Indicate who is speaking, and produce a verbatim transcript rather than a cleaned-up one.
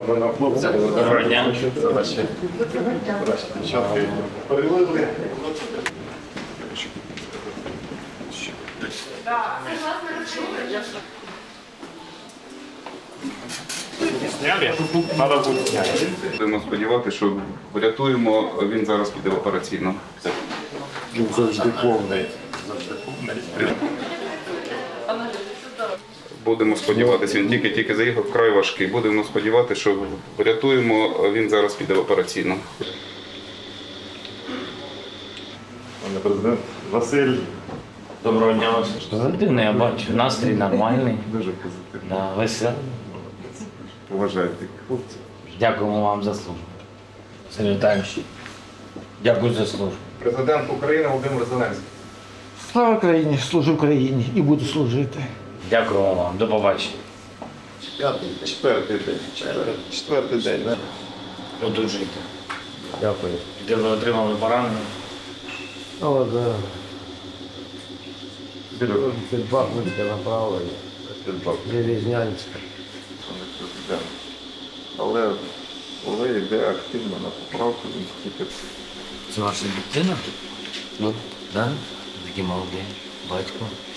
Speaker 1: Доброго дня.
Speaker 2: Будемо сподіватися, що врятуємо, він зараз піде в операційну.
Speaker 3: Він завжди повний.
Speaker 2: Будемо сподіватися, він тільки-тільки заїхав, вкрай важкий. Будемо сподіватися, що врятуємо, він зараз піде в операційну.
Speaker 3: Пане президент Василь.
Speaker 1: Доброго дня вас. Позитивний, я бачу. Настрій нормальний.
Speaker 3: Дуже позитивно.
Speaker 1: Да, веселий.
Speaker 3: Поважайте хлопців.
Speaker 1: Дякуємо вам за службу. Сергій Віталійович, дякую за службу.
Speaker 4: Президент України Володимир Зеленський.
Speaker 5: Слава Україні, служу Україні і буду служити.
Speaker 1: Дякуємо вам. До побачення.
Speaker 3: П'ятий, четвертий день. Четвертий, четвертий день, так?
Speaker 1: Одужуйте. Дякую. Де ви отримали поранення?
Speaker 6: О, да. Під Бахмутське направлення. Железнянське.
Speaker 3: Пане президент. Але Олег йде активно на поправку, він тільки
Speaker 1: Це ваша дитина? Ну. Да? Такі молоді. Батько.